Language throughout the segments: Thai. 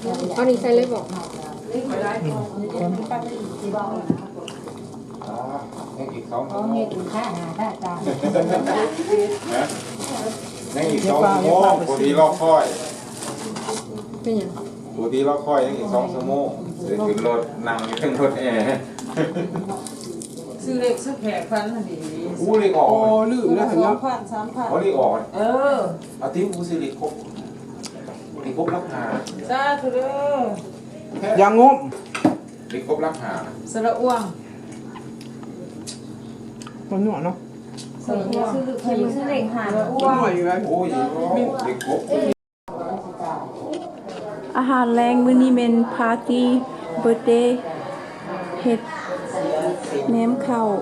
เอานี่ใส่เลยบอกให้อีก2 có nghe từ khác ta ta ให้อีก2 ชั่วโมงปกติรอคอยเป็นยังปกติรอคอยยังอีก2 ชั่วโมงเดี๋ยวขึ้นรถนั่งอยู่ขึ้นรถแอร์ซื้อเล็กซื้อแขกพันน่ะดีอู้เล็กออกโอ้ลืมแล้วเห็นแล้วเขาเล็กออกเอาที่อู้ซื้อเล็กครบเล็กครบราคาจ้าทุเด้ออย่างงบเล็กครบราคาสระอ้วงมันหนวดเนาะเคยซื้อเด็กหาสระอ้วมันงหนวดอยู่เลยโอ้ยเล็กครบอาหารแรงมื้อนี้เป็นปาร์ตี้เบิร์ธเดย์เฮ็ดแหนมข้าว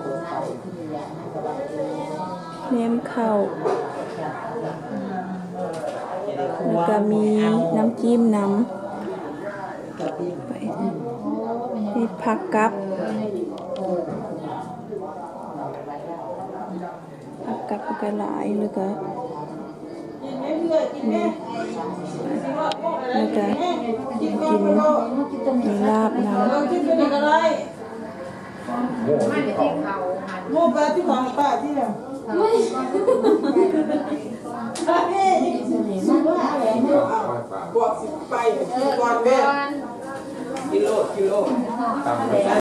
แล้วก็มีน้ำจิ้มน้ำไปนี่ผักกับก็หลายแล้วก็กินมีลาบน้ำโม่ปลาที่ของป้าที่ไหนบอกสิไปก่อนแม่กิโลตาม